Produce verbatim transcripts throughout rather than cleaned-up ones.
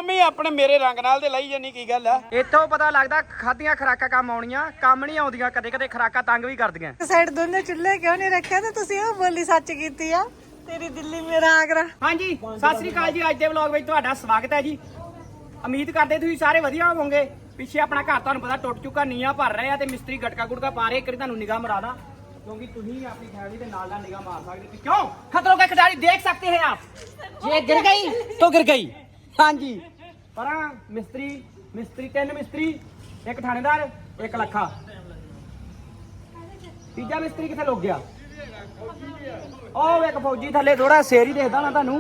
Mummy ਆਪਣੇ ਮੇਰੇ ਰੰਗ ਨਾਲ ਤੇ ਲਈ ਜਾਨੀ ਕੀ ਗੱਲ ਆ। ਇੱਥੋਂ ਪਤਾ ਲੱਗਦਾ ਖਾਧੀਆਂ ਖਰਾਕਾਂ ਕੰਮ ਆਉਣੀਆਂ, ਕੰਮ ਨਹੀਂ ਆਉਂਦੀਆਂ। ਕਦੇ ਕਦੇ ਖਰਾਕਾਂ ਤੰਗ ਵੀ ਕਰਦੀਆਂ। ਸਾਈਡ ਦੋਨੇ ਚੁੱਲ੍ਹੇ ਕਿਉਂ ਨਹੀਂ ਰੱਖਿਆ ਤੇ ਤੁਸੀਂ ਉਹ ਬੋਲੀ ਸੱਚ ਕੀਤੀ ਆ, ਤੇਰੀ ਦਿੱਲੀ ਮੇਰਾ ਆਗਰਾ। ਹਾਂਜੀ ਸਤਿ ਸ੍ਰੀ ਅਕਾਲ ਜੀ। ਅੱਜ ਦੇ ਵਲੌਗ ਵਿੱਚ ਤੁਹਾਡਾ ਸਵਾਗਤ ਹੈ ਜੀ। ਉਮੀਦ ਕਰਦੇ ਤੁਸੀਂ ਸਾਰੇ ਵਧੀਆ ਹੋਵੋਗੇ। ਪਿੱਛੇ ਆਪਣਾ ਘਰ ਤੁਹਾਨੂੰ ਪਤਾ ਟੁੱਟ ਚੁੱਕਾ, ਨੀਆਂ ਭਰ ਰਹੇ ਆ ਤੇ ਮਿਸਤਰੀ ਗਟਕਾ ਗੁਟਕਾ ਪਾ ਰਹੇ। ਕਰੀ ਤੁਹਾਨੂੰ ਨਿਗਾਹ ਮਰਾ ਦਾਂ क्योंकि तुम अपनी फैमिली के नाल निगाह मार सकते। क्यों खतरों के खिलाड़ी देख सकते हैं आप। ये गिर गई तो गिर गई। हाँ जी पर मिस्त्री मिस्त्री तीन मिस्त्री, एक थानेदार, एक लखा, तीजा मिस्त्री किथे लुक गया। ओ एक फौजी थले थोड़ा शेर ही देखदा ना तुहानू।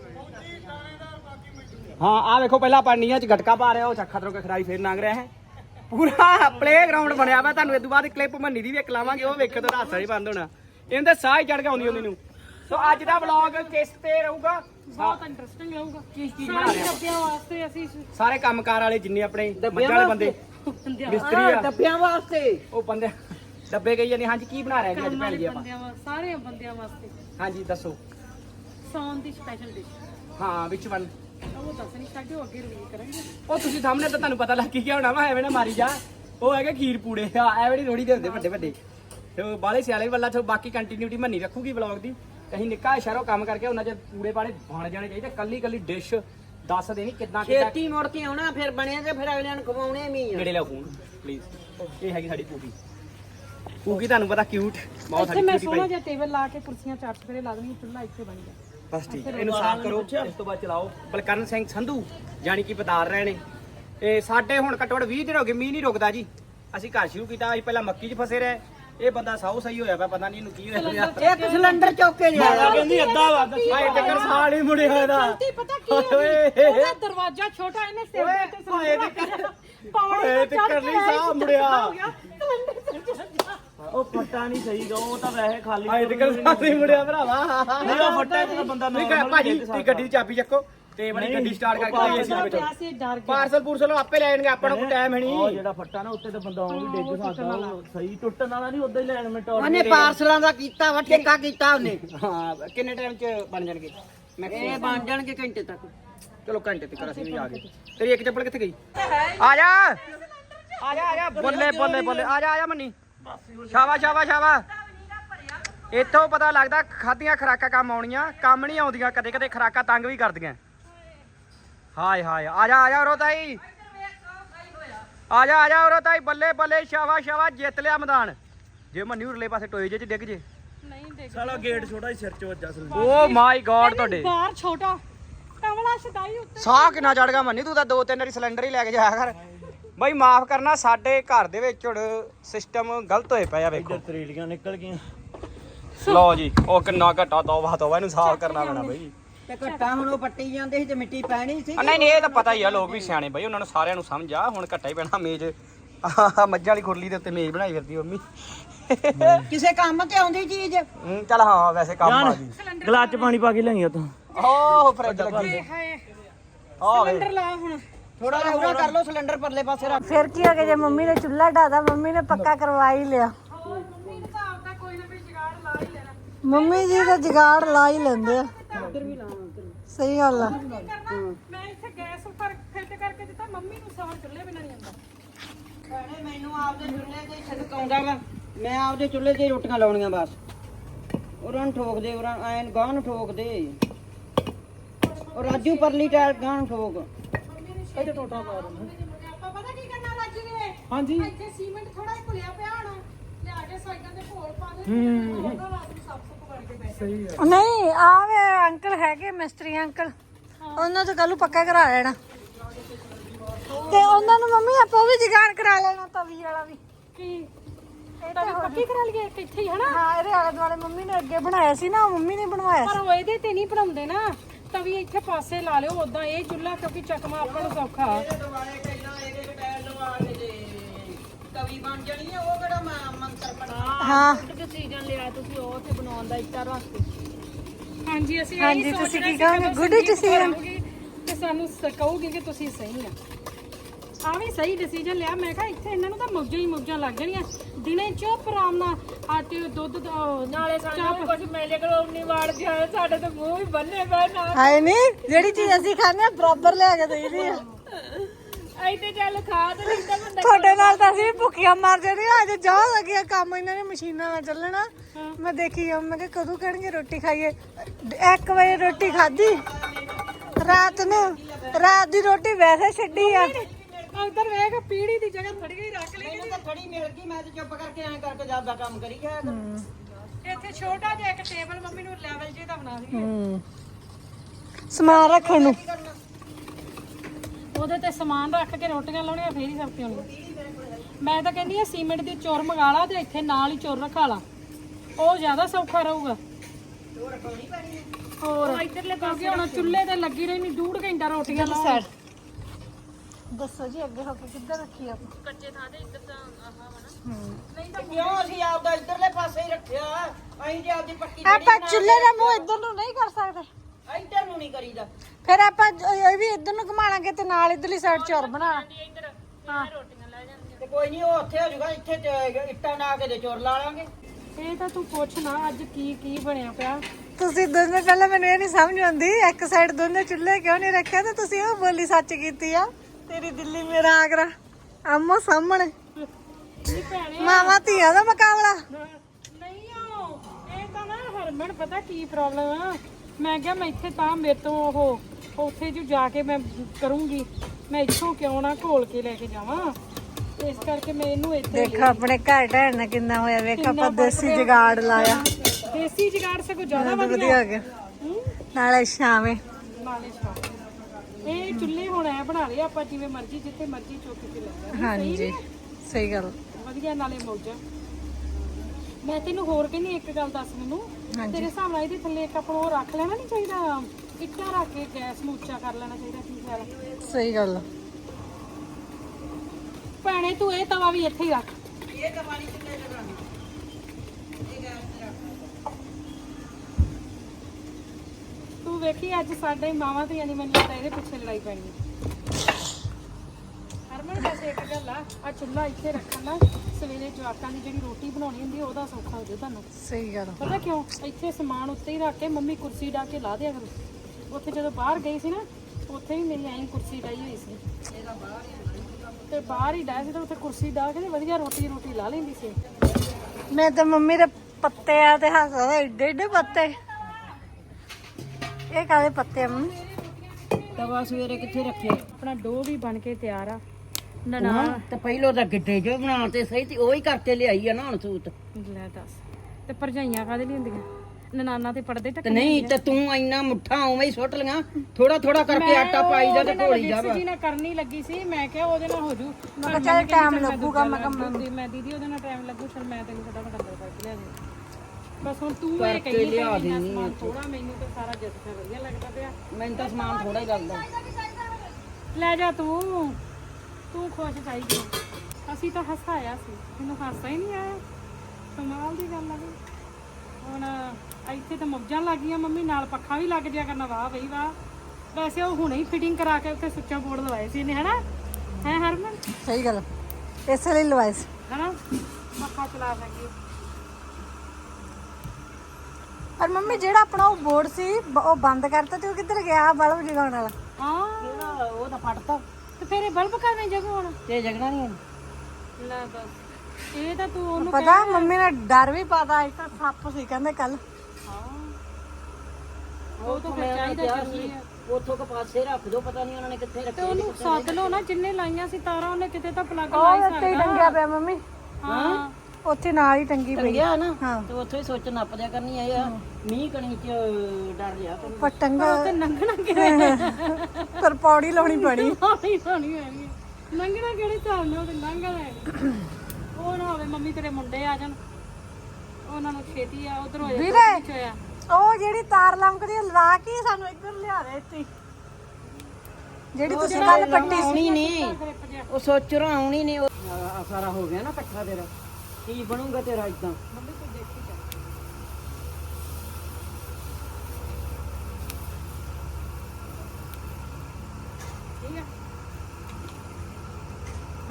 हाँ आ देखो पहला पानिया च गटका पा रहा, खतरों के खिलाड़ी फिर लंघ रहे हैं। पूरा प्ले ग्राउंड बनया वा। तुहानू इस बाद क्लिप मन्नी दी भी एक लावांगे, वो वेखो तो हासा ही बंद होना। इहदे साह ही चढ़ के आउंदी उन्हें। सो अज दा व्लॉग किस ते रहूगा, बहुत इंटरेस्टिंग रहूगा। किस चीज बना रहे डब्बियां वास्ते ਅਸੀਂ सारे कामकार वाले जिन्ने अपने मज्जां वाले बंदे मिस्त्री आ ਡੱਬਿਆਂ ਵਾਸਤੇ ਉਹ ਬੰਦੇ ਡੱਬੇ ਗਈ ਜਾਂਦੇ। ਹਾਂਜੀ ਕੀ ਬਣਾ ਰਹੇ ਜੀ ਅੱਜ ਭੈਣ ਜੀ ਆਪਾਂ? ਬੰਦਿਆਂ ਵਾਸਤੇ, ਸਾਰੇ ਬੰਦਿਆਂ ਵਾਸਤੇ ਹਾਂਜੀ ਦੱਸੋ। ਸੌਣ ਦੀ ਸਪੈਸ਼ਲ ਡਿਸ਼। ਹਾਂ ਵਿੱਚ ਵਨ ਉਹ ਦੱਸ ਨਹੀਂ ਸਕਦੇ, ਉਹ ਅੱਗੇ ਰਿਵੀਲ ਕਰਾਂਗੇ। ਉਹ ਤੁਸੀਂ ਸਾਹਮਣੇ ਤਾਂ ਤੁਹਾਨੂੰ ਪਤਾ ਲੱਗ ਗਿਆ ਹੋਣਾ ਵਾ। ਐਵੇਂ ਨਾ ਮਾਰੀ ਜਾ। ਉਹ ਹੈਗੇ ਖੀਰ ਪੂੜੇ। ਹਾਂ ਐਵੇਂ ਦੀ ਰੋੜੀ ਦੇ ਹੁੰਦੇ ਵੱਡੇ ਵੱਡੇ। ਤੇ ਬਾਲੇ ਸਿਆਲੇ ਵੱਲਾ ਤੋਂ ਬਾਕੀ ਕੰਟੀਨਿਊਟੀ ਮੰਨੀ ਰੱਖੂਗੀ ਵਲੌਗ ਦੀ। ਅਸੀਂ ਨਿੱਕਾ ਇਸ਼ਾਰਾ ਕੰਮ ਕਰਕੇ ਉਹਨਾਂ ਚ ਪੂੜੇ ਪਾੜੇ ਬਣ ਜਾਣੇ ਚਾਹੀਦੇ। ਕੱਲੀ ਕੱਲੀ ਡਿਸ਼ ਦੱਸ ਦੇਣੀ ਕਿੱਦਾਂ ਕਿੱਦਾਂ। ਛੇਤੀ ਮੁੜ ਕੇ ਆਉਣਾ, ਫਿਰ ਬਣਿਆ ਤੇ ਫਿਰ ਅਗਲਿਆਂ ਨੂੰ ਖਵਾਉਣੇ ਵੀ ਆ। ਨੇੜੇ ਲਿਆਓ ਫੋਨ ਪਲੀਜ਼। ਇਹ ਹੈਗੀ ਸਾਡੀ ਪੂਗੀ। ਪੂਗੀ ਤੁਹਾਨੂੰ ਪਤਾ ਕਿਊਟ ਬਹੁਤ ਇੱਥੇ ਸਾਡੀ ਮੈਂ ਕਿਊਟੀ ਸੋਹਣਾ ਭਾਈ। ਜਿਹਾ ਟੇਬਲ ਲਾ ਕੇ ਕੁਰਸੀਆਂ ਚਾਰ ਚਫੇਰੇ ਲਾ ਦੇਣੀ, ਚੁੱਲ੍ਹਾ ਇੱਥੇ ਬਣ ਗਿਆ। ਬਸ ਠੀਕ ਹੈ। ਇਹਨੂੰ ਸਾਫ਼ ਕਰੋ, ਇਸ ਤੋਂ ਬਾਅਦ ਚਲਾਓ। ਬਲਕਰਨ ਸਿੰਘ ਸੰਧੂ ਜਾਨੀ ਕਿ ਪਤਾਰ ਰਹੇ ਨੇ। ਇਹ ਸਾਡੇ ਹੁਣ ਘੱਟੋ ਘੱਟ ਵੀਹ ਦਿਨ ਹੋ ਗਏ, ਮੀਂਹ ਨਹੀਂ ਰੁਕਦਾ ਜੀ। ਅਸੀਂ ਘਰ ਸ਼ੁਰੂ ਕੀਤਾ, ਅਸੀਂ ਪਹਿਲਾਂ ਮੱਕੀ 'ਚ ਫਸੇ ਰਹੇ। ਇਹ ਬੰਦਾ ਸਾਊ ਸਹੀ ਹੋਇਆ ਪਿਆ, ਪਤਾ ਨਹੀਂ ਇਹਨੂੰ ਕੀ ਹੋਇਆ। ਇੱਕ ਸਿਲੰਡਰ ਚੁੱਕ ਕੇ ਲਿਆ। ਕਹਿੰਦੀ ਅੱਧਾ ਵਾ ਭਾਈ ਟੱਕਰ ਸਾਲ ਹੀ ਮੁੜਿਆ ਇਹਦਾ। ਗਲਤੀ ਪਤਾ ਕੀ ਹੈ, ਉਹਦਾ ਦਰਵਾਜ਼ਾ ਛੋਟਾ, ਇਹਨੇ ਸਿਰ ਦੇ ਉੱਤੇ ਸਿਲੰਡਰ ਓਏ ਤੇ ਕਰ ਲਈ ਸਾਹ ਮੁੜਿਆ। ਉਹ ਫੱਟਾ ਨਹੀਂ ਸਹੀ ਗਾ, ਉਹ ਤਾਂ ਵੈਸੇ ਖਾਲੀ ਭਾਈ ਟੱਕਰ ਸਾਲ ਹੀ ਮੁੜਿਆ ਭਰਾਵਾ। ਨਹੀਂ ਉਹ ਫੱਟਾ ਇੱਕ ਬੰਦਾ ਠੀਕ ਹੈ ਭਾਜੀ, ਤੁਸੀਂ ਗੱਡੀ ਦੀ ਚਾਬੀ ਚੱਕੋ ਤੇ ਬੜੀ ਗੱਡੀ ਸਟਾਰਟ ਕਰਕੇ ਏਸੀ ਵਿੱਚ ਪਿਆ ਸੀ, ਡਰ ਗਿਆ। ਪਾਰਸਲ ਪੂਰਸਲ ਆਪੇ ਲੈ ਜਾਣਗੇ, ਆਪਾਂ ਨੂੰ ਕੋਈ ਟਾਈਮ ਹੈ ਉਹ ਨਹੀਂ। ਜਿਹੜਾ ਫੱਟਾ ਨਾ ਉੱਤੇ ਤੇ ਬੰਦਾ ਉਹ ਵੀ ਡਿੱਗ ਸਕਦਾ। ਉਹ ਸਹੀ ਟੁੱਟਣ ਵਾਲਾ ਨਹੀਂ, ਉਦਾਂ ਹੀ ਲੈਣ ਮੈਂ ਟੌਰ ਉਹਨੇ ਪਾਰਸਲਾਂ ਦਾ ਕੀਤਾ ਵਾ, ਠੇਕਾ ਕੀਤਾ ਉਹਨੇ। ਹਾਂ ਕਿੰਨੇ ਟਾਈਮ 'ਚ ਬਣ ਜਾਣਗੇ? ਇਹ ਬਣ ਜਾਣਗੇ ਘੰਟੇ ਤੱਕ। ਚਲੋ ਘੰਟੇ ਤੱਕ ਅਸੀਂ ਵੀ ਆ ਗਏ। ਤੇਰੀ ਇੱਕ ਚੱਪਲ ਕਿੱਥੇ ਗਈ? ਆ ਜਾ ਆ ਜਾ ਆ ਜਾ ਬੱਲੇ ਬੱਲੇ ਬੱਲੇ ਆ ਜਾ ਆ ਜਾ ਮੰਨੀ। ਸ਼ਾਵਾ ਸ਼ਾਵਾ ਸ਼ਾਵਾ। ਇੱਥੋਂ ਪਤਾ ਲੱਗਦਾ ਖਾਧੀਆਂ ਖਰਾਕਾਂ ਕੰਮ ਆਉਣੀਆਂ, ਕੰਮ ਨਹੀਂ ਆਉਂਦੀਆਂ। ਕਦੇ ਕਦੇ ਖਰਾਕਾਂ ਤੰਗ ਵੀ ਕਰਦੀਆਂ। ਹਾਏ ਹਾਏ ਆ ਜਾ ਆ ਜਾ ਉਰੋ ਤਾਈ, ਆ ਜਾ ਆ ਜਾ ਉਰੋ ਤਾਈ। ਬੱਲੇ ਬੱਲੇ ਸ਼ਾਵਾ ਸ਼ਾਵਾ। ਜਿੱਤ ਲਿਆ ਮੈਦਾਨ। ਜੇ ਮੰਨੀ ਉਰਲੇ ਪਾਸੇ ਟੋਏ ਜੇ ਚ ਡਿੱਗ ਜੇ। ਨਹੀਂ ਦੇਖ ਸਾਲਾ ਗੇਟ ਛੋਟਾ ਹੀ ਸਿਰ ਚ ਵੱਜਾ ਸਿਲੰਡਰ। ਓ ਮਾਈ ਗॉड ਤੁਹਾਡੇ ਬਾਹਰ ਛੋਟਾ ਕਮਲਾ ਛਦਾਈ ਉੱਤੇ ਸਾਹ ਕਿੰਨਾ ਚੜ ਗਿਆ ਮੰਨੀ। ਤੂੰ ਤਾਂ ਦੋ ਤਿੰਨ ਵਾਰੀ ਸਿਲੰਡਰ ਹੀ ਲੈ ਕੇ ਜਾਇਆ ਕਰ। ਬਾਈ ਮਾਫ ਕਰਨਾ, ਸਾਡੇ ਘਰ ਦੇ ਵਿੱਚ ਹੁਣ ਸਿਸਟਮ ਗਲਤ ਹੋਏ ਪਿਆ। ਵੇਖੋ ਇੱਧਰ ਤਰੇਲੀਆਂ ਨਿਕਲ ਗਈਆਂ। ਲਓ ਜੀ ਉਹ ਕਿੰਨਾ ਘਟਾ ਤੋਬਾ ਤੋਬਾ। ਇਹਨੂੰ ਸਾਫ਼ ਕਰਨਾ ਪੈਣਾ ਬਾਈ। ਤੇ ਘੱਟਾ ਹੁਣ ਉਹ ਪੱਟੀ ਜਾਂਦੇ ਸੀ ਤੇ ਮਿੱਟੀ ਪੈਣੀ ਸੀ। ਆ ਨਹੀਂ ਨਹੀਂ ਇਹ ਤਾਂ ਪਤਾ ਹੀ ਆ, ਲੋਕ ਵੀ ਸਿਆਣੇ ਬਾਈ, ਉਹਨਾਂ ਨੂੰ ਸਾਰਿਆਂ ਨੂੰ ਸਮਝ ਆ। ਹੁਣ ਘਟਾ ਹੀ ਪੈਣਾ ਮੇਜ਼। ਆਹ ਮੱਝਾਂ ਵਾਲੀ ਖੁਰਲੀ ਦੇ ਉੱਤੇ ਮੇਜ਼ ਬਣਾਈ ਫਿਰਦੀ ਮੰਮੀ। ਕਿਸੇ ਕੰਮ ਤੇ ਆਉਂਦੀ ਚੀਜ਼। ਹੂੰ ਚੱਲ ਹਾਂ ਵੈਸੇ ਕੰਮ ਆ ਗਈ। ਗਲਾਸ ਚ ਪਾਣੀ ਪਾ ਕੇ ਲਿਆਈ ਉਤੋਂ। ਓਹ ਫਰਿੱਜ ਲੱਗੀ। ਹਾਏ ਆਹ ਵੇ ਸਿਲੰਡਰ ਲਾ ਹੁਣ। ਥੋੜਾ ਜਿਹਾ ਉਰਾ ਕਰ ਲਓ, ਸਿਲੰਡਰ ਪਰਲੇ ਪਾਸੇ ਰੱਖ। ਫਿਰ ਕੀ ਹੋ ਗਿਆ ਜੇ ਮੰਮੀ ਨੇ ਚੁੱਲ੍ਹਾ ਢਾਦਾ, ਮੰਮੀ ਨੇ ਪੱਕਾ ਕਰਵਾ ਹੀ ਲਿਆ। ਮੰਮੀ ਜੀ ਤਾਂ ਜਗਾੜ ਲਾ ਹੀ ਲੈਂਦੇ ਆ। ਸਹੀ ਗੱਲ ਆ। ਮੈਂ ਇੱਥੇ ਗੈਸ ਉੱਪਰ ਫਿੱਟ ਕਰਕੇ ਦਿੱਤਾ, ਮੰਮੀ ਨੂੰ ਸੌਣ ਚੁੱਲ੍ਹੇ ਬਿਨਾਂ ਨਹੀਂ ਆਉਂਦਾ। ਭੈਣੇ ਮੈਨੂੰ ਆਪਦੇ ਚੁੱਲ੍ਹੇ ਤੇ ਛਡਕਾਉਂਦਾ ਵਾ, ਮੈਂ ਆਪਦੇ ਚੁੱਲ੍ਹੇ ਤੇ ਰੋਟੀਆਂ ਲਾਉਣੀਆਂ ਬਸ। ਉਹਨਾਂ ਨੂੰ ਠੋਕ ਦੇ, ਉਹਨਾਂ ਐਨ ਗਾਂ ਨੂੰ ਠੋਕ ਦੇ। ਉਹ ਰਾਜੂ ਪਰਲੀ ਟਾਇਰ ਗਾਂ ਨੂੰ ਠੋਕ। ਇੱਥੇ ਟੋਟਾ ਪਾ ਦਿੰਦੇ ਆਪਾਂ। ਪਤਾ ਕੀ ਕਰਨਾ ਰਾਜੂ ਨੇ? ਹਾਂਜੀ ਇੱਥੇ ਸੀਮੈਂਟ ਥੋੜਾ ਜਿਹਾ ਘੁਲਿਆ ਪਿਆ ਹੋਣਾ, ਲਿਆ ਕੇ ਸਾਈਡਾਂ ਤੇ ਘੋਲ ਪਾ ਦੇ। ਉਹਦਾ ਰਾਤ ਨੂੰ ਸੱਪ ਸੁੱਪ ਕਰਕੇ ਬੈਠ। ਸਹੀ ਹੈ। ਨਹੀਂ ਆਵੇ ਅੰਕਲ ਹੈਗੇ ਮਿਸਤਰੀ ਅੰਕਲ, ਉਹਨਾਂ ਤੋਂ ਕੱਲ ਨੂੰ ਪੱਕਾ ਕਰਾ ਲੈਣਾ। ਤੇ ਉਹਨਾਂ ਨੂੰ ਮੰਮੀ ਆਪਾਂ ਵੀ ਜਗਾੜ ਕਰਾ ਲੈਣਾ, ਤਵੀ ਵਾਲਾ ਵੀ। ਕੀ ਤਵੀ ਪੱਕੀ ਕਰਾ ਲਈਏ ਇੱਕ ਇੱਥੇ ਹੀ ਹਨਾ? ਹਾਂ ਇਹਦੇ ਆਲੇ ਦੁਆਲੇ ਮੰਮੀ ਨੇ ਅੱਗੇ ਬਣਾਇਆ ਸੀ ਨਾ, ਮੰਮੀ ਨੇ ਬਣਵਾਇਆ ਸੀ। ਪਰ ਉਹ ਇਹਦੇ ਤੇ ਨਹੀਂ ਬਣਾਉਂਦੇ ਨਾ, ਤਵੀ ਇੱਥੇ ਪਾਸੇ ਲਾ ਲਿਓ। ਉਦਾਂ ਇਹ ਚੁੱਲ੍ਹਾ ਕਿਉਂਕਿ ਚੱਕਮਾ ਆਪਾਂ ਨੂੰ ਸੌਖਾ। ਤਵੀ ਬਣ ਜਾਣੀ ਆ, ਉਹ ਕਿਹੜਾ ਮੰਤਰ ਬਣਾ। ਹਾਂ ਡਿਸੀਜਨ ਲਿਆ ਤੁਸੀਂ ਉਹ ਤੇ ਬਣਾਉਣ ਦਾ ਇੱਟਾਂ ਰੱਖ ਕੇ। ਹਾਂਜੀ ਅਸੀਂ ਹਾਂਜੀ ਤੁਸੀਂ ਕੀ ਕਹੋਗੇ? Good decision. ਤੇ ਸਾਨੂੰ ਕਹੋਗੇ ਕਿ ਤੁਸੀਂ ਸਹੀ ਆ। ਆ ਵੀ ਸਹੀ ਡਿਸੀਜਨ ਲਿਆ। ਮੈਂ ਕਿਹਾ ਇੱਥੇ ਇਹਨਾਂ ਨੂੰ ਤਾਂ ਮੌਜਾਂ ਹੀ ਮੌਜਾਂ ਲੱਗ ਜਾਣੀਆਂ। ਦਿਨੇ ਚੁੱਪ ਆਰਾਮ ਨਾਲ ਆਟੇ ਦੁੱਧ ਦਾ- ਨਾਲੇ ਸਾਨੂੰ ਕੁਝ ਮੇਰੇ ਕੋਲ ਨਹੀਂ ਵਾੜ ਗਿਆ, ਸਾਡੇ ਤੇ ਮੂੰਹ ਵੀ ਬੰਨੇ ਪਏ ਨਾ। ਹਾਏ ਨਹੀਂ, ਜਿਹੜੀ ਚੀਜ਼ ਅਸੀਂ ਖਾਂਦੇ ਆ ਬਰਾਬਰ ਲਿਆ ਕੇ ਦੇਈਦੀ ਆ। ਇੱਥੇ ਚੱਲ ਖਾ ਤੇ ਲੈਂਦਾ ਬੰਦਾ। ਤੁਹਾਡੇ ਨਾਲ ਤਾਂ ਅਸੀਂ ਵੀ ਭੁੱਖੀਆਂ ਮਰ ਜਾਣੀਆਂ। ਅੱਜ ਜਾ ਲੱਗਿਆ ਕੰਮ, ਇਹਨਾਂ ਨੇ ਮਸ਼ੀਨਾਂ ਨਾਲ ਚੱਲਣਾ। ਮੈਂ ਦੇਖੀ ਆ, ਮੈਂ ਕਿਹਾ ਕਦੋਂ ਕਹਿਣਗੇ ਰੋਟੀ ਖਾਈਏ। ਇੱਕ ਵਜੇ ਰੋਟੀ ਖਾਧੀ ਰਾਤ ਨੂੰ, ਰਾਤ ਦੀ ਰੋਟੀ ਵੈਸੇ ਛੱਡੀ ਆ। ਉਧਰ ਵੇਖ ਪੀੜੀ ਦੀ ਜਗ੍ਹਾ ਫੜ ਗਈ, ਰੱਖ ਲਈ। ਮੈਨੂੰ ਤਾਂ ਥੜੀ ਮਿਲ ਗਈ, ਮੈਂ ਤੇ ਚੁੱਪ ਕਰਕੇ ਐਂ ਕਰਕੇ ਜਿਆਦਾ ਕੰਮ ਕਰੀ ਗਿਆ। ਇੱਥੇ ਛੋਟਾ ਜਿਹਾ ਇੱਕ ਟੇਬਲ ਮੰਮੀ ਨੂੰ ਲੈਵਲ ਜੇ ਦਾ ਬਣਾ ਦਈਏ, ਸਮਾਨ ਰੱਖਣ ਨੂੰ। ਉਹਦੇ ਤੇ ਸਮਾਨ ਰੱਖ ਕੇ ਰੋਟੀਆਂ ਲਾਉਣੀਆਂ, ਫੇਰ ਹੀ ਸਬਜ਼ੀ ਹੋਣੀ। ਮੈਂ ਤਾਂ ਕਹਿੰਦੀ ਆ ਸੀਮੈਂਟ ਦੀ ਚੁਰ ਮੰਗਾ ਲਾ ਤੇ ਇੱਥੇ ਨਾਲ ਹੀ ਚੁਰ ਰਖਾ ਲਾ, ਉਹ ਜ਼ਿਆਦਾ ਸੌਖਾ ਰਹੂਗਾ। ਹੋਰ ਇੱਧਰਲੇ ਪਾਸੇ ਹੁਣ ਚੁੱਲ੍ਹੇ ਤੇ ਲੱਗੀ ਰਹਿਣੀ ਡੂਢ ਘੰਟਾ ਰੋਟੀਆਂ ਲਾਉਣ। ਦੱਸੋ ਜੀ ਅੱਗੇ ਹੋ ਕੇ ਕਿੱਧਰ ਰੱਖੀ ਆਪਾਂ? ਕੱਚੇ ਥਾਂ ਤੇ ਇੱਧਰ ਤਾਂ ਆਹ ਵਾ ਨਾ। ਨਹੀਂ ਤਾਂ ਕਿਉਂ ਅਸੀਂ ਆਪਦਾ ਇੱਧਰਲੇ ਪਾਸੇ ਹੀ ਰੱਖਿਆ। ਅਸੀਂ ਜੇ ਆਪਦੀ ਪੱਕੀ ਆਪਾਂ ਚੁੱਲ੍ਹੇ ਦਾ ਮੂੰਹ ਇੱਧਰ ਨੂੰ ਨਹੀਂ ਕਰ ਸਕਦੇ, ਇੱਧਰ ਨੂੰ ਨਹੀਂ ਕਰੀਦਾ। ਫਿਰ ਆਪਾਂ ਇਹ ਵੀ ਇੱਧਰ ਨੂੰ ਘੁਮਾਣਾਂਗੇ ਤੇ ਨਾਲ ਇੱਧਰਲੀ ਸਾਈਡ ਚੁਰ ਬਣਾਣਾ। ਹਾਂ ਰੋਟੀਆਂ ਲੈ ਜਾਂਦੀਆਂ। ਤੇ ਕੋਈ ਨਹੀਂ, ਉਹ ਉੱਥੇ ਹੋ ਜਾਊਗਾ। ਇੱਥੇ ਤੇ ਇੱਟਾਂ ਲਾ ਕੇ ਤੇ ਚੁਰ ਲਾ ਲਾਂਗੇ। ਇਹ ਤਾਂ ਤੂੰ ਪੁੱਛ ਨਾ ਅੱਜ ਕੀ ਕੀ ਬਣਿਆ ਪਿਆ। ਤੁਸੀਂ ਦੋਨੇ ਪਹਿਲਾਂ ਮੈਨੂੰ ਇਹ ਨਹੀਂ ਸਮਝ ਆਉਂਦੀ, ਇੱਕ ਸਾਈਡ ਦੋਨੇ ਚੁੱਲ੍ਹੇ ਕਿਉਂ ਨਹੀਂ ਰੱਖਿਆ? ਤੇ ਤੁਸੀਂ ਉਹ ਬੋਲੀ ਸੱਚ ਕੀਤੀ ਆ, ਤੇਰੀ ਦਿੱਲੀ ਮੇਰਾ ਆਗਰਾ ਆਮੋ ਸਾਹਮਣੇ। ਨਹੀਂ ਭੈਣੇ ਮਾਵਾ ਧੀਆਂ ਦਾ ਮੁਕਾਬਲਾ। ਨਹੀਂ ਉਹ ਇਹ ਤਾਂ ਨਾ ਹਰਮਨ ਪਤਾ ਕੀ ਪ੍ਰੋਬਲਮ ਆ। ਮੈਂ ਕਿਹਾ ਮੈਂ ਇੱਥੇ ਤਾਂ ਮੇਰੇ ਤੋਂ ਉਹ ਉੱਥੇ ਜੋ ਜਾ ਕੇ ਮੈਂ ਕਰੂੰਗੀ, ਮੈਂ ਇੱਥੋਂ ਕਿਉਂ ਨਾ ਘੋਲ ਕੇ ਲੈ ਕੇ ਜਾਵਾਂ। ਇਸ ਕਰਕੇ ਮੈਂ ਇਹਨੂੰ ਇੱਥੇ ਦੇਖੋ ਆਪਣੇ ਘਰ ਢਹਿਣਾ ਕਿੰਨਾ ਹੋਇਆ। ਵੇਖ ਆਪਾਂ ਦੇਸੀ ਜੁਗਾੜ ਲਾਇਆ, ਦੇਸੀ ਜਗਾੜ ਸਗੋਂ ਜ਼ਿਆਦਾ ਵਧੀਆ ਹੋ ਗਿਆ। ਨਾਲੇ ਛਾਵੇਂ ਨਾਲੇ ਛਾ ਇਹ ਚੁੱਲ੍ਹੇ ਹੁਣ ਐ ਬਣਾ ਲਏ ਆਪਾਂ, ਜਿਵੇਂ ਮਰਜ਼ੀ ਜਿੱਥੇ ਮਰਜ਼ੀ ਚੁੱਕ ਕੇ ਲੈ ਜਾ। ਹਾਂਜੀ ਸਹੀ ਗੱਲ। ਵਧੀਆ ਨਾਲੇ ਮੌਜਾਂ। ਮੈਂ ਤੈਨੂੰ ਹੋਰ ਕਹਿੰਦੀ ਇੱਕ ਗੱਲ ਦੱਸ ਮੈਨੂੰ, ਤੇਰੇ ਹਿਸਾਬ ਨਾਲ ਇਹਦੇ ਥੱਲੇ ਇੱਕ ਆਪਾਂ ਉਹ ਰੱਖ ਲੈਣਾ ਨਹੀਂ ਚਾਹੀਦਾ, ਇੱਟਾਂ ਰੱਖ ਕੇ ਗੈਸ ਨੂੰ ਉੱਚਾ ਕਰ ਲੈਣਾ ਚਾਹੀਦਾ। ਕੀ ਖਿਆਲ ਆ? ਸਹੀ ਗੱਲ। ਭੈਣੇ ਤੂੰ ਇਹ ਤਵਾ ਵੀ ਇੱਥੇ ਹੀ ਰੱਖ। ਇਹ ਤਾਂ ਪਾਣੀ ਕਿੰਨੇ ਜਗ੍ਹਾ ਇਹ ਗੈਸ ਤੇ ਰੱਖ। ਤੂੰ ਵੇਖੀ ਅੱਜ ਸਾਡੇ ਮਾਵਾਂ ਧੀਆਂ ਦੀ ਮੈਨੂੰ ਲੱਗਦਾ ਇਹਦੇ ਪਿੱਛੇ ਲੜਾਈ ਪੈਣੀ ਹੈ। ਹਰਮਨ ਵੈਸੇ ਇੱਕ ਗੱਲ ਆ, ਆ ਚੁੱਲ੍ਹਾ ਇੱਥੇ ਰੱਖਣ ਨਾਲ ਸਵੇਰੇ ਜਵਾਕਾਂ ਦੀ ਜਿਹੜੀ ਰੋਟੀ ਬਣਾਉਣੀ ਹੁੰਦੀ ਉਹਦਾ ਸੌਖਾ ਹੋ ਜਾਊ ਤੁਹਾਨੂੰ। ਸਹੀ ਗੱਲ। ਪਤਾ ਕਿਉਂ? ਇੱਥੇ ਸਮਾਨ ਉੱਤੇ ਹੀ ਰੱਖ ਕੇ ਮੰਮੀ ਕੁਰਸੀ ਢਾ ਕੇ ਲਾ ਦਿਆ ਕਰੂ। ਉੱਥੇ ਜਦੋਂ ਬਾਹਰ ਗਈ ਸੀ ਨਾ, ਉੱਥੇ ਵੀ ਮੇਰੀ ਐਂ ਕੁਰਸੀ ਡਾਈ ਹੋਈ ਸੀ ਤੇ ਬਾਹਰ ਹੀ ਡਾਇਆ ਸੀ ਤਾਂ ਉੱਥੇ ਕੁਰਸੀ ਢਾ ਕੇ ਤੇ ਵਧੀਆ ਰੋਟੀ ਰੋਟੀ ਲਾ ਲੈਂਦੀ ਸੀ। ਮੈਂ ਤਾਂ ਮੰਮੀ ਦੇ ਪੱਤੇ ਆ ਤੇ ਹੱਸਦਾ ਏਡੇ ਏਡੇ ਪੱਤੇ। ਇਹ ਕਾਹਦੇ ਪੱਤੇ ਆ ਮੰਮੀ? ਤਵਾ ਸਵੇਰੇ ਕਿੱਥੇ ਰੱਖਿਆ? ਆਪਣਾ ਡੋ ਵੀ ਬਣ ਕੇ ਤਿਆਰ ਆ। ਨਨਾ ਤੇ ਪਹਿਲੋਂ ਤਾਂ ਗਿੱਟੇ ਜੋ ਬਣਾ ਤੇ ਸਹੀ ਤੇ ਉਹ ਹੀ ਕਰਕੇ ਲਿਆਈ ਆ ਨਾ ਹੁਣ ਸੂਤ। ਲੈ ਦੱਸ, ਤੇ ਭਰਜਾਈਆਂ ਕਾਹਦੇ ਲਈ ਹੁੰਦੀਆਂ? ਨਨਾਨਾ ਤੇ ਪੜਦੇ ਤੇ ਟੱਕ ਨਹੀਂ ਤੇ ਤੂੰ ਇੰਨਾ ਮੁੱਠਾ ਉਵੇਂ ਹੀ ਸੁੱਟ ਲੀਆਂ। ਥੋੜਾ ਥੋੜਾ ਕਰਕੇ ਆਟਾ ਪਾਈ ਜਾ ਤੇ ਘੋਲੀ ਜਾ। ਜੀ ਨਾਲ ਕਰਨੀ ਲੱਗੀ ਸੀ, ਮੈਂ ਕਿਹਾ ਉਹਦੇ ਨਾਲ ਹੋ ਜੂ। ਮੈਂ ਕਿਹਾ ਚੱਲ ਟਾਈਮ ਲੱਗੂਗਾ। ਮੈਂ ਕਿਹਾ ਮੈਂ ਦੀਦੀ ਉਹਦੇ ਨਾਲ ਟਾਈਮ ਲੱਗੂ, ਚਲ ਮੈਂ ਤੈਨੂੰ ਫਟਾਫਟ ਅੰਦਰ ਕਰਕੇ ਲਿਆ ਦੇ। ਬਸ ਹੁਣ ਤੂੰ ਇਹ ਕਹੀ ਲਿਆ ਦੇਣੀ ਥੋੜਾ, ਮੈਨੂੰ ਤਾਂ ਸਾਰਾ ਜੱਥਾ ਵਧੀਆ ਲੱਗਦਾ ਪਿਆ। ਮੈਨੂੰ ਤਾਂ ਸਮਾਨ ਥੋੜਾ ਹੀ ਲੱਗਦਾ। ਲੈ ਜਾ ਤੂੰ, ਤੂੰ ਖੁਸ਼ ਚਾਹੀਦੀ। ਅਸੀਂ ਤਾਂ ਹੱਸਾਇਆ ਸੀ, ਮੈਨੂੰ ਹਾਸਾ ਹੀ ਨਹੀਂ ਆਇਆ। ਕਮਾਲ ਦੀ ਗੱਲ ਆ ਵੀ। ਹੁਣ ਇੱਥੇ ਤਾਂ ਮੌਜਾਂ ਲੱਗ ਗਈਆਂ ਮੰਮੀ ਨਾਲ, ਪੱਖਾ ਵੀ ਲੱਗ ਜਿਆ ਕਰਨਾ। ਵਾਹ ਬਈ ਵਾਹ। ਵੈਸੇ ਉਹ ਹੁਣੇ ਹੀ ਫਿਟਿੰਗ ਕਰਾ ਕੇ ਉੱਥੇ ਸੁੱਚਾ ਬੋਰਡ ਲਵਾਏ ਸੀ ਇਹਨੇ, ਹਨਾ? ਹੈ ਹਰਮਨ? ਸਹੀ ਗੱਲ, ਇਸੇ ਲਈ ਲਵਾਏ ਸੀ ਹਨਾ? ਪੱਖਾ ਚਲਾ ਸਕੀ। ਪਰ ਮੰਮੀ ਜਿਹੜਾ ਆਪਣਾ ਉਹ ਬੋਰਡ ਸੀ ਉਹ ਬੰਦ ਕਰਤਾ ਤੇ ਉਹ ਕਿੱਧਰ ਗਿਆ? ਬਲਬ ਜਗਾਉਣ ਵਾਲਾ। ਹਾਂ ਉਹ ਤਾਂ ਫਟਦਾ ਤੇ ਫਿਰ ਇਹ ਬਲਬ ਕਰਨੇ ਜਗ੍ਹਾ ਹੁਣ ਤੇ ਜਗਣਾ ਨਹੀਂ। ਲੈ ਬਸ, ਇਹ ਤਾਂ ਤੂੰ ਉਹਨੂੰ ਪਤਾ ਮੰਮੀ ਨੇ ਡਰ ਵੀ ਪਾਤਾ। ਇੱਕ ਤਾਂ ਸੱਪ ਸੀ ਕਹਿੰਦੇ ਕੱਲ। ਉਹ ਤਾਂ ਫਿਰ ਚਾਹੀਦਾ ਜ਼ਰੂਰੀ ਆ। ਉੱਥੋਂ ਕੇ ਪਾਸੇ ਰੱਖ ਦੋ, ਪਤਾ ਨਹੀਂ ਉਹਨਾਂ ਨੇ ਕਿੱਥੇ ਤੇ ਰੱਖਿਆ। ਉਹਨੂੰ ਸੱਦ ਲਓ ਨਾ, ਜਿੰਨੇ ਲਾਈਆਂ ਸੀ ਤਾਰਾਂ ਉਹਨੇ ਕਿਤੇ ਤਾਂ ਪਲੱਗ ਉਹ ਲਾਈ ਉੱਤੇ ਹੀ ਟੰਗਿਆ ਪਿਆ ਮੰਮੀ, ਹਾਂ ਉੱਥੇ ਨਾਲ ਹੀ ਟੰਗੀ ਪਈ। ਗਿਆ ਨਾ ਹਾਂ ਤੇ ਉੱਥੋਂ ਹੀ ਸੋਚ ਨੱਪ ਦਿਆ ਕਰਨੀ ਇਹ ਆ। ਮੀਂਹ ਕਣੀ ਚ ਡਰ ਲਿਆ ਤੈਨੂੰ। ਪਰ ਟੰਗਾ ਤੇ ਲੰਘਣਾ ਕਿਵੇਂ? ਪਰ ਪੌੜੀ ਲਾਉਣੀ ਪੜੀ। ਹੌਲੀ ਹੌਲੀ ਹੋਣੀ ਲੰਘਣਾ ਕਿਹੜੇ ਹਿਸਾਬ ਨਾਲ? ਤੇ ਲੰਘਣਾ ਹੈ ਉਹ ਨਾ ਹੋਵੇ ਮੰਮੀ ਤੇਰੇ ਮੁੰਡੇ ਆ ਜਾਣ, ਉਹਨਾਂ ਨੂੰ ਛੇਤੀ ਆ ਉਧਰ ਹੋ ਵੀਰੇ ਉਹ ਜਿਹੜੀ ਤਾਰ ਲੰਮਕਦੀ ਲਵਾ ਕੇ ਸਾਨੂੰ ਇੱਧਰ ਲਿਆ ਦੇ ਇੱਥੇ, ਜਿਹੜੀ ਤੁਸੀਂ ਕੱਲ ਪੱਟੀ ਆਉਣੀ ਨਹੀਂ। ਉਹ ਸੋਚੋ ਆਉਣੀ ਨਹੀਂ। ਉਹ ਸਾਰਾ ਹੋ ਗਿਆ ਨਾ ਇਕੱਠਾ ਤੇਰਾ, ਕੀ ਬਣੂਗਾ ਤੇਰਾ ਇਦਾਂ?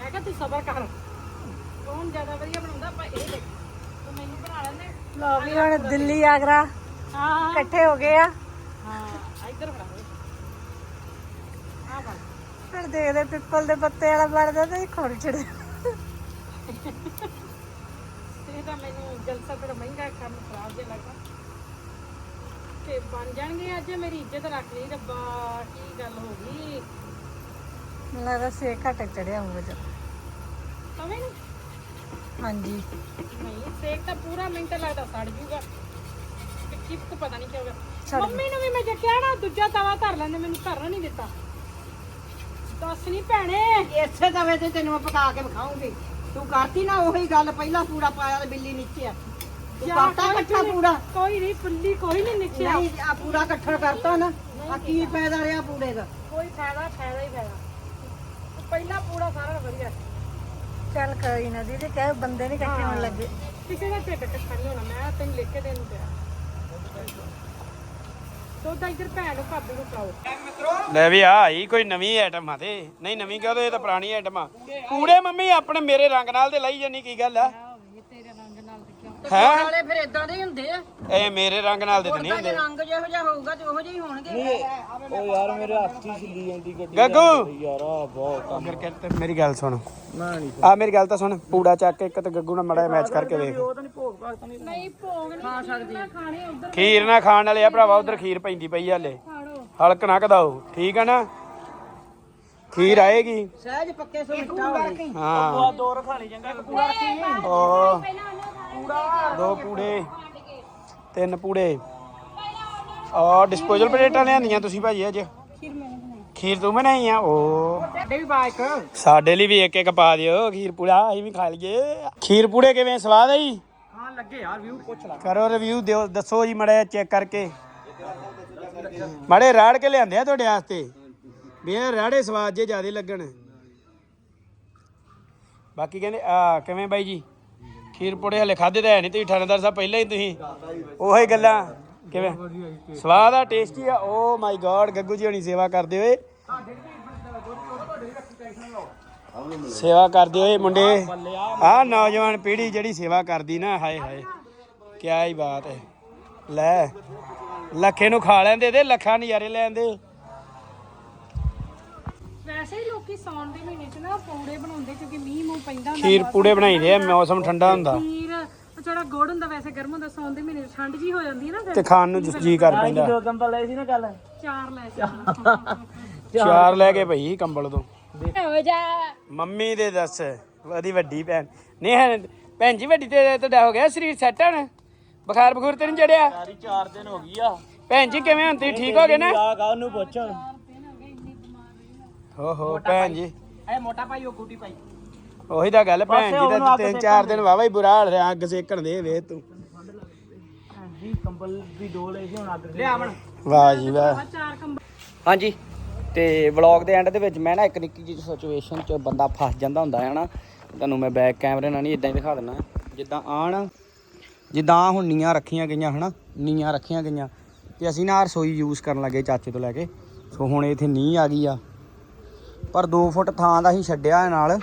ਮੈਂ ਕਿਹਾ ਤੂੰ ਸਬਰ ਕਰ ਕੌਣ ਜ਼ਿਆਦਾ ਵਧੀਆ ਬਣਾਉਂਦਾ ਆਪਾਂ ਇਹ ਦੇਖ ਤੂੰ ਮੈਨੂੰ ਬਣਾ ਲੈਂਦੇ ਲੋ ਵੀ ਹੁਣ ਦਿੱਲੀ ਆਗਰਾ ਹਾਂ ਇਕੱਠੇ ਹੋ ਗਏ ਆ ਹਾਂ ਇੱਧਰ ਫੜਾ ਆ ਬਣ ਹੁਣ ਦੇਖਦੇ ਪਿੱਪਲ ਦੇ ਪੱਤੇ ਵਾਲਾ ਬਣਦਾ ਤੇ ਖੋੜ ਚੜੇ ਇਹ ਤਾਂ ਮੈਨੂੰ ਜਲਸਾ ਥੋੜਾ ਮਹਿੰਗਾ ਕੰਮ ਖਰਾਬ ਜਿਹਾ ਲੱਗਾ ਤੇ ਬਣ ਜਾਣਗੇ ਅੱਜ ਮੇਰੀ ਇੱਜ਼ਤ ਰੱਖ ਲਈ ਰੱਬਾ ਕੀ ਗੱਲ ਹੋ ਗਈ ਮੈਨੂੰ ਲੱਗਦਾ ਸੇਕ ਘੱਟ ਚੜਿਆ ਹੋਊਗਾ ਜਦ ਤਵੇਂ ਨੂੰ ਹਾਂਜੀ ਨਹੀਂ ਸੇਕ ਤਾਂ ਪੂਰਾ ਮਿੰਟ ਲੱਗਦਾ ਸੜ ਜੂਗਾ ਤੇ ਕਿਪ ਪਤਾ ਨਹੀਂ ਕੀ ਹੋਗਾ ਸੜ ਮੰਮੀ ਨੂੰ ਵੀ ਮੈਂ ਜੇ ਕਿਹਾ ਨਾ ਦੂਜਾ ਤਵਾ ਧਰ ਲੈਂਦੇ ਮੈਨੂੰ ਧਰਨ ਨਹੀਂ ਦਿੱਤਾ ਦੱਸ ਨਹੀਂ ਭੈਣੇ ਇਸੇ ਤਵੇ ਤੇ ਤੈਨੂੰ ਮੈਂ ਪਕਾ ਕੇ ਵਿਖਾਉਂਗੀ ਤੂੰ ਕਰਤੀ ਨਾ ਉਹੀ ਗੱਲ ਪਹਿਲਾਂ ਪੂੜਾ ਪਾਇਆ ਤੇ ਬਿੱਲੀ ਨੀਚੇ ਆ ਤੂੰ ਕਰਤਾ ਇਕੱਠਾ ਪੂੜਾ ਕੋਈ ਨਹੀਂ ਫੁੱਲੀ ਕੋਈ ਨਹੀਂ ਨਿਕਲਿਆ ਨਹੀਂ ਆ ਪੂੜਾ ਇਕੱਠਾ ਕਰਤਾ ਨਾ ਆ ਕੀ ਫਾਇਦਾ ਰਿਹਾ ਪੂੜੇ ਦਾ ਕੋਈ ਫਾਇਦਾ ਫਾਇਦਾ ਹੀ ਫਾਇਦਾ ਪਹਿਲਾ ਪੂੜਾ ਸਾਰਾ ਵਧੀਆ ਚੱਲ ਕੋਈ ਨਾ ਦੀਦੀ ਕਹੇ ਬੰਦੇ ਨਹੀਂ ਇਕੱਠੇ ਹੋਣ ਲੱਗੇ ਕਿਸੇ ਦਾ ਢਿੱਡ ਇਕੱਠਾ ਨਹੀਂ ਹੋਣਾ ਮੈਂ ਤੈਨੂੰ ਲਿਖ ਕੇ ਦੇਣ ਪਿਆ ਤੋ ਤਾਂ ਇੱਧਰ ਭੈਣ ਨੂੰ ਭਾਬੀ ਨੂੰ ਪਾਓ ਲੈ ਵੀ ਆ ਆਈ ਕੋਈ ਨਵੀਂ ਆਈਟਮ ਆ ਤੇ ਨਹੀਂ ਨਵੀਂ ਕਹੋ ਇਹ ਤਾਂ ਪੁਰਾਣੀ ਆਈਟਮ ਆ ਕੂੜੇ ਮੰਮੀ ਆਪਣੇ ਮੇਰੇ ਰੰਗ ਨਾਲ ਤੇ ਲਈ ਜਾਨੀ ਕੀ ਗੱਲ ਆ ਤੇਰੇ ਰੰਗ ਨਾਲ ਤੇ ਕਿਉਂ ਹੈ ਨਾਲੇ ਫਿਰ ਇਦਾਂ ਦੇ ਹੀ ਹੁੰਦੇ ਆ ਇਹ ਮੇਰੇ ਰੰਗ ਨਾਲ ਦੇ ਤਾਂ ਨਹੀਂ ਹੁੰਦੇ ਰੰਗ ਜਿਹੋ ਜਿਹਾ ਹੋਊਗਾ ਤੇ ਉਹੋ ਜਿਹੇ ਹੀ ਹੋਣਗੇ ਉਹ ਯਾਰ ਮੇਰੇ ਹੱਥ ਹੀ ਛਿੱਲੀ ਜਾਂਦੀ ਗੱਡੀ ਗੱਗੂ ਯਾਰ ਆ ਬਹੁਤ ਫਿਰ ਕਹਿੰਦੇ ਮੇਰੀ ਗੱਲ ਸੁਣ ਨਾ ਨਹੀਂ ਆ ਮੇਰੀ ਗੱਲ ਤਾਂ ਸੁਣ ਪੂੜਾ ਚੱਕ ਕੇ ਇੱਕ ਤੇ ਗੱਗੂ ਨਾਲ ਮੜਾ ਮੈਚ ਕਰਕੇ ਵੇਖ ਉਹ ਤਾਂ ਨਹੀਂ ਭੋਗ ਭਾਗ ਤਾਂ ਨਹੀਂ ਨਹੀਂ ਭੋਗ ਨਹੀਂ ਖਾ ਸਕਦੀ ਖਾਣੇ ਉਧਰ ਖੀਰ ਨਾ ਖਾਣ ਵਾਲੇ ਆ ਭਰਾਵਾ ਉਧਰ ਖੀਰ ਪੈਂਦੀ ਪਈ ਆ ਹਲੇ ਖਾੜੋ ਹਲਕ ਨਾ ਕਦਾਓ ਠੀਕ ਆ ਨਾ ਖੀਰ ਆਏਗੀ ਸਹਿਜ ਪੱਕੇ ਸੋ ਮਿੱਠਾ ਹੋਵੇ ਹਾਂ ਦੋ ਰਖਾ ਲਈ ਚੰਗਾ ਇੱਕ ਪੂਰਾ ਰੱਖੀ ਓ ਦੋ ਪੂੜੇ ਤਿੰਨ ਪੂੜੇ ਆ ਡਿਸਪੋਜ਼ਲ ਪਲੇਟਾਂ ਲਿਆਂਦੀਆਂ ਤੁਸੀਂ ਭਾਜੀ ਅੱਜ ਖੀਰ ਤੂੰ ਬਣਾਈ ਆ ਓ ਸਾਡੇ ਵੀ ਬਾਈਕ ਸਾਡੇ ਲਈ ਵੀ ਇੱਕ ਇੱਕ ਪਾ ਦਿਓ ਖੀਰ ਪੂੜਾ ਅਸੀਂ ਵੀ ਖਾ ਲਈਏ ਖੀਰ ਪੂੜੇ ਕਿਵੇਂ ਸਵਾਦ ਆਈ ਹਾਂ ਲੱਗੇ ਯਾਰ ਵਿਊ ਪੁੱਛ ਲੈ ਕਰੋ ਰਿਵਿਊ ਦਿਓ ਦੱਸੋ ਜੀ ਮੜਾ ਚੈੱਕ ਕਰਕੇ ਮੜੇ ਰਾੜ ਕੇ ਲਿਆਂਦੇ ਆ ਤੁਹਾਡੇ ਵਾਸਤੇ ਵੀ ਇਹ ਰਾੜੇ ਸਵਾਦ ਜੇ ਜ਼ਿਆਦੇ ਲੱਗਣ ਬਾਕੀ ਕਹਿੰਦੇ ਆ ਕਿਵੇਂ ਬਾਈ ਜੀ ਖੀਰ ਪੂੜੇ ਹਲੇ ਖਾਦੇ ਤਾਂ ਹੈ ਨਹੀਂ ਤੁਸੀਂ ਥਾਣੇਦਾਰ ਸਾਹਿਬ ਪਹਿਲਾਂ ਹੀ ਤੁਸੀਂ ਉਹੀ ਗੱਲਾਂ ਕਿਵੇਂ ਸਵਾਦ ਆ ਟੇਸਟੀ ਆ ਓ ਮਾਈ ਗॉड ਗੱਗੂ ਜੀ ਹੋਣੀ ਸੇਵਾ ਕਰਦੇ ਹੋਏ ਸੇਵਾ ਕਰਦੇ ਹੋਏ ਮੁੰਡੇ ਆ ਨੌਜਵਾਨ ਪੀੜ੍ਹੀ ਜਿਹੜੀ ਸੇਵਾ ਕਰਦੀ ਨਾ ਹਾਏ ਹਾਏ ਕਿਆ ਹੀ ਬਾਤ ਹੈ ਲੈ ਲੱਖੇ ਨੂੰ ਖਾ ਲੈਂਦੇ ਤੇ ਲੱਖਾਂ ਨਜ਼ਾਰੇ ਲੈਂਦੇ ਵੈਸੇ ਹੀ ਲੋਕੀ ਸੌਣ ਦੇ ਮਹੀਨੇ ਚ ਨਾ ਪੌੜੇ ਬਣਾਉਂਦੇ ਕਿਉਂਕਿ ਮੀਂਹ ਮੂੰਹ ਪੈਂਦਾ ਹੁੰਦਾ ਖੀਰ ਪੂੜੇ ਬਣਾਈਦੇ ਆ ਮੌਸਮ ਠੰਡਾ ਹੁੰਦਾ ਖੀਰ ਉਹ ਜਿਹੜਾ ਗੁੜ ਹੁੰਦਾ ਵੈਸੇ ਗਰਮ ਹੁੰਦਾ ਸੌਣ ਦੇ ਮਹੀਨੇ ਚ ਠੰਡ ਜੀ ਹੋ ਜਾਂਦੀ ਹੈ ਨਾ ਤੇ ਫਿਰ ਖਾਣ ਨੂੰ ਜੀ ਕਰ ਪੈਂਦਾ ਦੋ ਕੰਬਲ ਲਏ ਸੀ ਨਾ ਕੱਲ ਚਾਰ ਲੈ ਸੀ ਚਾਰ ਲੈ ਕੇ ਭਈ ਕੰਬਲ ਤੋਂ ਹੋ ਜਾ ਮੰਮੀ ਦੇ ਦੱਸ ਉਹਦੀ ਵੱਡੀ ਭੈਣ ਨਹੀਂ ਹੈ ਭੈਣ ਜੀ ਵੱਡੀ ਤੇ ਤੁਹਾਡਾ ਹੋ ਗਿਆ ਸਰੀਰ ਸੈੱਟ ਹੁਣ ਬੁਖਾਰ ਬਖੂਰ ਤੇ ਨਹੀਂ ਚੜਿਆ ਸਾਰੀ ਚਾਰ ਦਿਨ ਹੋ ਗਈ ਆ ਭੈਣ ਜੀ ਕਿਵੇਂ ਹੁਣ ਤੁਸੀਂ ਠੀਕ ਹੋ ਗਏ ਨਾ ਆ ਗਾ ਉਹਨੂੰ ਪੁੱਛ ਹੋ ਹੋ ਭੈਣ ਜੀ ਇਹ ਮੋਟਾ ਭਾਈ ਉਹ ਗੁੱਡੀ ਭਾਈ ਉਹੀ ਤਾਂ ਗੱਲ ਭੈਣ ਜੀ ਦਾ ਤਿੰਨ ਚਾਰ ਦਿਨ ਵਾਵਾ ਹੀ ਬੁਰਾ ਹਾਲ ਰਿਹਾ ਅੱਗ ਸੇਕਣ ਦੇ ਵੇ ਤੂੰ ਜੀ ਕੰਬਲ ਵੀ ਦੋ ਲਏ ਸੀ ਹੁਣ ਅੱਗ ਲਿਆ ਆਵਣ ਵਾਹ ਜੀ ਵਾਹ ਚਾਰ ਕੰਬਲ ਹਾਂਜੀ ਤੇ ਵਲੌਗ ਦੇ ਐਂਡ ਦੇ ਵਿੱਚ ਮੈਂ ਨਾ ਇੱਕ ਨਿੱਕੀ ਜਿਹੀ ਸਿਚੁਏਸ਼ਨ 'ਚ ਬੰਦਾ ਫਸ ਜਾਂਦਾ ਹੁੰਦਾ ਹੈ ਨਾ ਤੁਹਾਨੂੰ ਮੈਂ ਬੈਕ ਕੈਮਰੇ ਨਾਲ ਨਹੀਂ ਇਦਾਂ ਹੀ ਦਿਖਾ ਦਿੰਦਾ ਜਿੱਦਾਂ ਆਣ ਜਿੱਦਾਂ ਹੁਣ ਨੀਆਂ ਰੱਖੀਆਂ ਗਈਆਂ ਹਨਾ ਨੀਆਂ ਰੱਖੀਆਂ ਗਈਆਂ ਤੇ ਅਸੀਂ ਨਾ ਰਸੋਈ ਯੂਜ਼ ਕਰਨ ਲੱਗੇ ਚਾਚੇ ਤੋਂ ਲੈ ਕੇ ਸੋ ਹੁਣ ਇੱਥੇ ਨੀਂਹ ਆ ਗਈ ਆ ਪਰ ਦੋ ਫੁੱਟ ਥਾਂ ਦਾ ਹੀ ਛੱਡਿਆ ਨਾਲ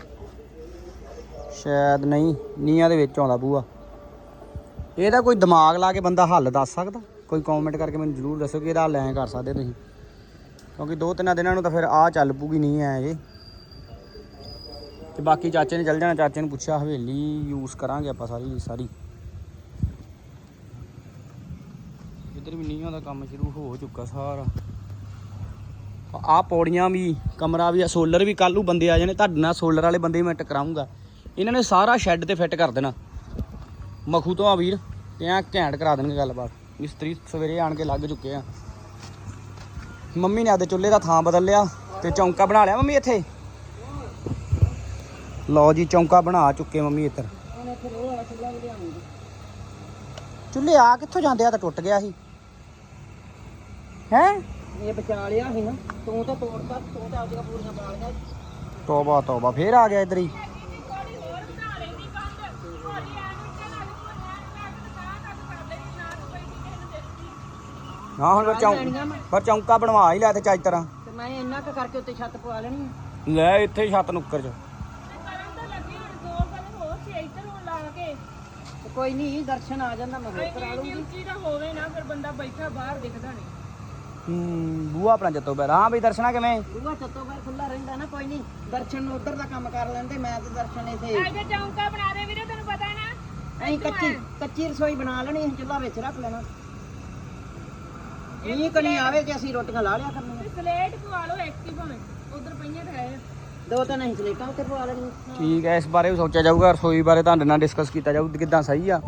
ਸ਼ਾਇਦ ਨਹੀਂ ਨੀਆਂ ਦੇ ਵਿੱਚ ਆਉਂਦਾ ਬੂਆ ਇਹਦਾ ਕੋਈ ਦਿਮਾਗ ਲਾ ਕੇ ਬੰਦਾ ਹੱਲ ਦੱਸ ਸਕਦਾ ਕੋਈ ਕਮੈਂਟ ਕਰਕੇ ਮੈਨੂੰ ਜ਼ਰੂਰ ਦੱਸੋ ਕਿ ਇਹਦਾ ਹੱਲ ਐਂ ਕਰ ਸਕਦੇ ਤੁਸੀਂ ਕਿਉਂਕਿ ਦੋ ਤਿੰਨਾਂ ਦਿਨਾਂ ਨੂੰ ਤਾਂ ਫਿਰ ਆਹ ਚੱਲ ਪੂਗੀ ਨਹੀਂ ਐ ਜੇ ਤੇ ਬਾਕੀ ਚਾਚੇ ਨੇ ਚੱਲ ਜਾਣਾ ਚਾਚੇ ਨੂੰ ਪੁੱਛਿਆ ਹਵੇਲੀ ਯੂਜ਼ ਕਰਾਂਗੇ ਆਪਾਂ ਸਾਰੀ ਸਾਰੀ ਇੱਧਰ ਵੀ ਨੀਹਾਂ ਦਾ ਕੰਮ ਸ਼ੁਰੂ ਹੋ ਚੁੱਕਾ ਸਾਰਾ ਆਹ ਪੌੜੀਆਂ ਵੀ ਕਮਰਾ ਵੀ ਆ ਸੋਲਰ ਵੀ ਕੱਲ੍ਹ ਨੂੰ ਬੰਦੇ ਆ ਜਾਣੇ ਤੁਹਾਡੇ ਨਾਲ ਸੋਲਰ ਵਾਲੇ ਬੰਦੇ ਮੈਂ ਟਕਰਾਉਂਗਾ ਇਹਨਾਂ ਨੇ ਸਾਰਾ ਸ਼ੈੱਡ ਤੇ ਫਿੱਟ ਕਰ ਦੇਣਾ ਮਖੂ ਤੋਂ ਆ ਵੀਰ ਤੇ ਐਂ ਘੈਂਟ ਕਰਾ ਦੇਣਗੇ ਗੱਲਬਾਤ ਮਿਸਤਰੀ ਸਵੇਰੇ ਆਣ ਕੇ ਲੱਗ ਚੁੱਕੇ ਆ ਮੰਮੀ ਨੇ ਆਪਦੇ ਚੁੱਲ੍ਹੇ ਦਾ ਥਾਂ ਬਦਲ ਲਿਆ ਤੇ ਚੌਂਕਾ ਬਣਾ ਲਿਆ ਮੰਮੀ ਇੱਥੇ ਲਓ ਜੀ ਚੌਂਕਾ ਬਣਾ ਚੁੱਕੇ ਮੰਮੀ ਇੱਧਰ ਚੁੱਲ੍ਹੇ ਆ ਕਿੱਥੋਂ ਜਾਂਦੇ ਆ ਤਾਂ ਟੁੱਟ ਗਿਆ ਸੀ ਹੈ ਇਹ ਬਚਾ ਲਿਆ ਸੀ ਨਾ ਤੂੰ ਤਾਂ ਤੋੜਤਾ ਤੂੰ ਤਾਂ ਆਪਦੀਆਂ ਪੂਰੀਆਂ ਬਣਾ ਲਿਆ ਤੋਬਾ ਤੋਬਾ ਫੇਰ ਆ ਗਿਆ ਇੱਧਰ ਹੀ ਹਾਂ ਹੁਣ ਫਿਰ ਚੌਂ ਫਿਰ ਚੌਂਕਾ ਬਣਵਾ ਹੀ ਲਿਆ ਤੇ ਚੱਜ ਤਰ੍ਹਾਂ ਤੇ ਮੈਂ ਇੰਨਾ ਕੁ ਕਰਕੇ ਉੱਤੇ ਛੱਤ ਪਵਾ ਲੈਣੀ ਆ ਲੈ ਇੱਥੇ ਹੀ ਛੱਤ ਨੁੱਕਰ ਚ ਇਹ ਤੇ ਕੋਈ ਨਹੀਂ ਦਰਸ਼ਨ ਆ ਜਾਂਦਾ ਮੈਂ ਹੋਰ ਕਰਾ ਇੰਨੀ ਲੂੰਗੀ। ਉੱਚੀ ਤਾਂ ਹੋਵੇ ਨਾ ਫਿਰ ਬੰਦਾ ਬੈਠਾ ਬਾਹਰ ਦਿਖਦਾ ਨਹੀਂ। ਹੂੰ ਬੂਆ ਆਪਣਾ ਜੱਤੋ ਬੈਰ ਹਾਂ ਬਈ ਦਰਸ਼ਨਾ ਕਿਵੇਂ ਬੂਹਾ ਚੱਤੋ ਬਾਹਰ ਖੁੱਲਾ ਰਹਿੰਦਾ ਨਾ, ਕੋਈ ਨਹੀਂ ਦਰਸ਼ਨ ਉਧਰ ਦਾ ਕੰਮ ਕਰ ਲੈਂਦੇ, ਮੈਂ ਤੇ ਦਰਸ਼ਨ ਇੱਥੇ ਅੱਗੇ ਚੌਂਕਾ ਬਣਾ ਦੇ ਵੀਰੇ, ਤੈਨੂੰ ਪਤਾ ਨਾ। ਅਸੀਂ ਕੱਚੀ ਕੱਚੀ ਰਸੋਈ ਬਣਾ ਲੈਣੀ, ਅਸੀਂ ਚੁੱਲ੍ਹਾ ਵਿੱਚ ਰੱਖ ਲੈਣਾ। ਇਹ ਕਣੀ ਆਵੇ ਕਿ ਅਸੀਂ ਰੋਟੀਆਂ ਲਾ ਲਿਆ ਕਰਨੀਆਂ। ਸਲੇਟ ਪਵਾ ਲਓ ਇੱਕ ਹੀ ਭਾਵੇਂ, ਉਧਰ ਪਈਆਂ ਤਾਂ ਹੈ। ਦੋ ਤਿੰਨ ਅਸੀਂ ਸਲੇਟਾਂ ਉੱਤੇ ਪਵਾ ਲੈਣੀਆਂ। ਠੀਕ ਹੈ ਇਸ ਬਾਰੇ ਵੀ ਸੋਚਿਆ ਜਾਊਗਾ, ਰਸੋਈ ਬਾਰੇ ਤੁਹਾਡੇ ਨਾਲ ਡਿਸਕਸ ਕੀਤਾ ਜਾਊ ਕਿੱਦਾਂ ਸਹੀ ਆ।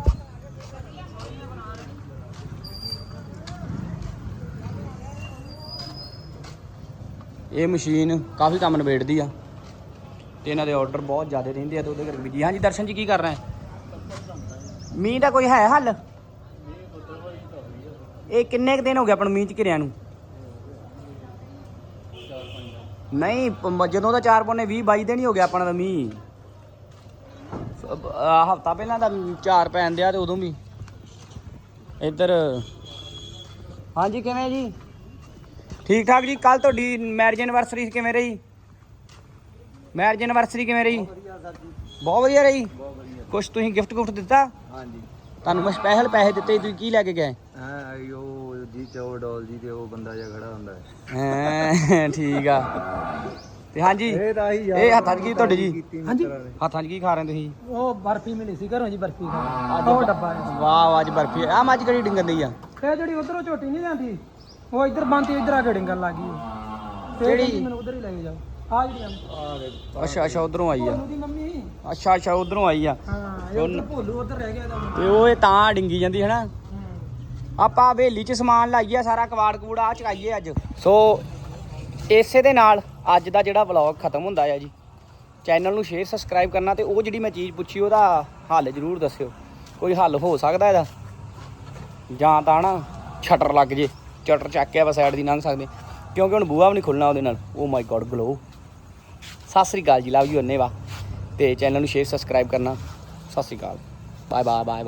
ਇਹ ਮਸ਼ੀਨ ਕਾਫੀ ਕੰਮ ਨਿਬੇੜਦੀ ਆ ਤੇ ਇਹਨਾਂ ਦੇ ਆਰਡਰ ਬਹੁਤ ਜ਼ਿਆਦਾ ਰਹਿੰਦੇ ਆ ਤੇ ਉਹਦੇ ਕਰਕੇ ਵੀ ਜੀ ਹਾਂਜੀ ਦਰਸ਼ਨ ਜੀ ਕੀ ਕਰ ਰਹੇ ਮੀਂਹ ਦਾ ਕੋਈ ਹੈ ਹੱਲ? ਇਹ ਕਿੰਨੇ ਕੁ ਦਿਨ ਹੋ ਗਏ ਆਪਾਂ ਨੂੰ ਮੀਂਹ ਚ ਘਿਰਿਆਂ ਨੂੰ? ਨਹੀਂ ਪ- ਜਦੋਂ ਦਾ ਚਾਰ ਪੌਨੇ ਵੀਹ ਬਾਈ ਦਿਨ ਹੀ ਹੋ ਗਿਆ ਆਪਣਾ ਤਾਂ ਮੀਂਹ। ਹਫਤਾ ਪਹਿਲਾਂ ਤਾਂ ਚਾਰ ਪੈਣ ਦਿਆ ਤੇ ਉਦੋਂ ਵੀ ਇੱਧਰ। ਹਾਂਜੀ ਕਿਵੇਂ ਜੀ? ਠੀਕ ਠਾਕ ਜੀ। ਕੱਲ ਤੁਹਾਡੀ ਮੈਰਿਜ ਐਨਵਰਸਰੀ ਕਿਵੇਂ ਰਹੀ? ਮੈਰਿਜ ਐਨਵਰਸਰੀ ਕਿਵੇਂ ਰਹੀ? ਬਹੁਤ ਵਧੀਆ ਰਹੀ। ਕੁਛ ਤੁਸੀਂ ਗਿਫਟ ਗੁਫਟ ਦਿੱਤਾ? ਹਾਂਜੀ ਤੁਹਾਨੂੰ ਮੈਂ ਸਪੈਸ਼ਲ ਪੈਸੇ ਦਿੱਤੇ ਸੀ, ਤੁਸੀਂ ਕੀ ਲੈ ਕੇ ਗਏ? ਹਾਂ ਉਹ ਜੀ ਚੋ ਡੋਲ ਜੀ ਤੇ ਉਹ ਬੰਦਾ ਜਿਹਾ ਖੜਾ ਹੁੰਦਾ ਹੈ। ਹੈਂ, ਠੀਕ ਆ। ਤੇ ਹਾਂਜੀ ਇਹ ਤਾਂ ਹੀ ਇਹ ਹੱਥਾਂ 'ਚ ਕੀ ਤੁਹਾਡੇ ਜੀ? ਹਾਂਜੀ ਹੱਥਾਂ 'ਚ ਕੀ ਖਾ ਰਹੇ ਤੁਸੀਂ? ਉਹ ਬਰਫੀ ਮਿਲੀ ਸੀ ਘਰੋਂ ਜੀ, ਬਰਫੀ ਉਹ ਡੱਬਾ ਵਾਹ ਵਾਹ ਅੱਜ ਬਰਫੀ ਆ। ਮੱਝ ਕਿਹੜੀ ਡਿੰਗਣ ਦੀ ਆ? ਇਹ ਜਿਹੜੀ ਉਧਰੋਂ ਝੋਟੀ ਨਹੀਂ ਜਾਂਦੀ, ਉਹ ਇੱਧਰ ਬੰਦੀ ਇੱਧਰ ਆ ਕੇ ਡਿੰਗਣ ਲੱਗ ਗਈ। ਤੇ ਕਿਹੜੀ? ਕਹਿੰਦੀ ਮੈਨੂੰ ਉਧਰ ਹੀ ਲੈ ਕੇ ਜਾਓ। ਆ ਜਿਹੜੀ ਅੱਛਾ ਅੱਛਾ ਉਧਰੋਂ ਆਈ ਆ। ਉਹਦੀ ਮੰਮੀ। ਅੱਛਾ ਅੱਛਾ ਉਧਰੋਂ ਆਈ ਆ। ਹਾਂ ਇਹ ਉਧਰ ਭੋਲੂ ਉਧਰ ਰਹਿ ਗਿਆ ਇਹਦਾ। ਤੇ ਉਹ ਇਹ ਤਾਂ ਡਿੰਗੀ ਜਾਂਦੀ ਹੈ ਨਾ। ਆਪਾਂ ਹਵੇਲੀ 'ਚ ਸਮਾਨ ਲਾਈਏ, ਸਾਰਾ ਕਵਾੜ ਕੂੜ ਆ ਚਕਾਈਏ ਅੱਜ। ਸੋ ਇਸੇ ਦੇ ਨਾਲ ਅੱਜ ਦਾ ਜਿਹੜਾ ਵਲੌਗ ਖਤਮ ਹੁੰਦਾ ਆ ਜੀ। ਚੈਨਲ ਨੂੰ ਸ਼ੇਅਰ ਸਬਸਕ੍ਰਾਈਬ ਕਰਨਾ ਤੇ ਉਹ ਜਿਹੜੀ ਮੈਂ ਚੀਜ਼ ਪੁੱਛੀ ਉਹਦਾ ਹੱਲ ਜ਼ਰੂਰ ਦੱਸਿਓ। ਕੋਈ ਹੱਲ ਹੋ ਸਕਦਾ ਇਹਦਾ ਜਾਂ ਤਾਂ ਨਾ ਛਟਰ ਲੱਗ ਜੇ, ਚਟਰ ਚੱਕ ਕੇ ਆਪਾਂ ਸਾਈਡ ਦੀ ਲੰਘ ਸਕਦੇ ਕਿਉਂਕਿ ਹੁਣ ਬੂਹਾ ਵੀ ਨਹੀਂ ਖੁੱਲਣਾ ਉਹਦੇ ਨਾਲ। ਓ ਮਾਈ ਗॉड ਗਲੋ। ਸਤਿ ਸ੍ਰੀ ਅਕਾਲ ਜੀ, ਲਵ ਯੂ ਅੰਨੇਵਾ। ਤੇ ਚੈਨਲ ਨੂੰ ਸ਼ੇਅਰ ਸਬਸਕ੍ਰਾਈਬ ਕਰਨਾ। ਸਤਿ ਸ੍ਰੀ ਅਕਾਲ, ਬਾਏ ਬਾਏ ਬਾਏ।